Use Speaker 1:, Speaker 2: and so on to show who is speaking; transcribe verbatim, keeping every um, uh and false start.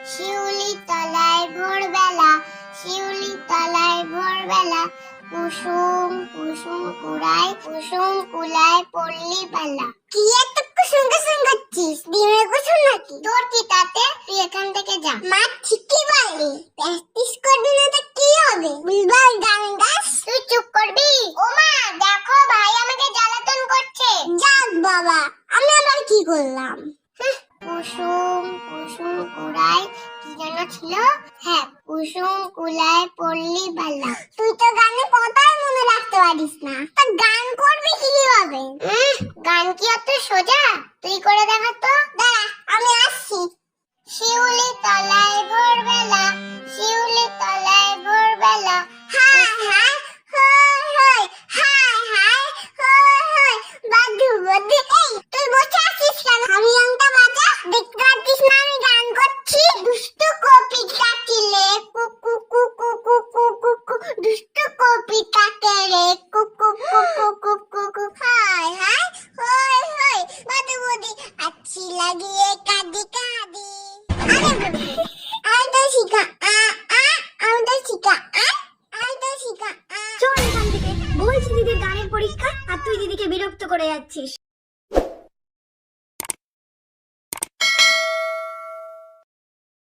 Speaker 1: শিউলি তলায় ভোরবেলা, শিউলি তলায় ভোরবেলা, কুসুম কুসুম কুড়ায়, কুসুম কুলায় পড়লি বেলা। কি এত কুসুম কুসুম করছিস? ডিমের কুসুম নাকি? তোর কি তাতে? তুই এখান থেকে যা। মা ঠিকই বললি, প্র্যাকটিস করবি না তো কি হবে? বুলবুল গান গাস। তুই চুপ করবি? ও মা দেখো, ভাই আমাকে জ্বালাতন করছে। যাক বাবা, আমি আবার কি করলাম? কুসুম কুসুম কুড়ায়, কি যেন ছিল? হ্যাঁ, কুসুম কুলায় পড়লি বেলা। তুই তো গানে কথাই মনে রাখতে পারিস না, তা গান করবি কিভাবে? গান কি অত সোজা? তুই করে দেখা তো। দাঁড়া, আমি আসছি। শিউলি তলায় ভোরবেলা, শিউলি তলায় ভোরবেলা, হায় হায় হায় হায় হায় হায় হায় হায়। বাদু বাদু, এই তুই বসে আছিস কেন? আমি গানটা বাজা, দেখতে পাচ্ছিস না আমি গান করছি? দুষ্টু কপিটা কিলে কুকু কুকু কুকু কুকু, দুষ্টু কপিটা কেলে কুকু কুকু কুকু কুকু, হায় হায় হায় হায়। বাদু বাদু আচ্ছি লাগিয়ে কাঁদি কাঁদি। আরে তো শিখা আ আ, আমি তো শিখা আ, আমি তো শিখা আ।
Speaker 2: চল এখান থেকে, বলছি দিদির গানের পরীক্ষা আর তুই দিদিকে বিরক্ত করে যাচ্ছিস।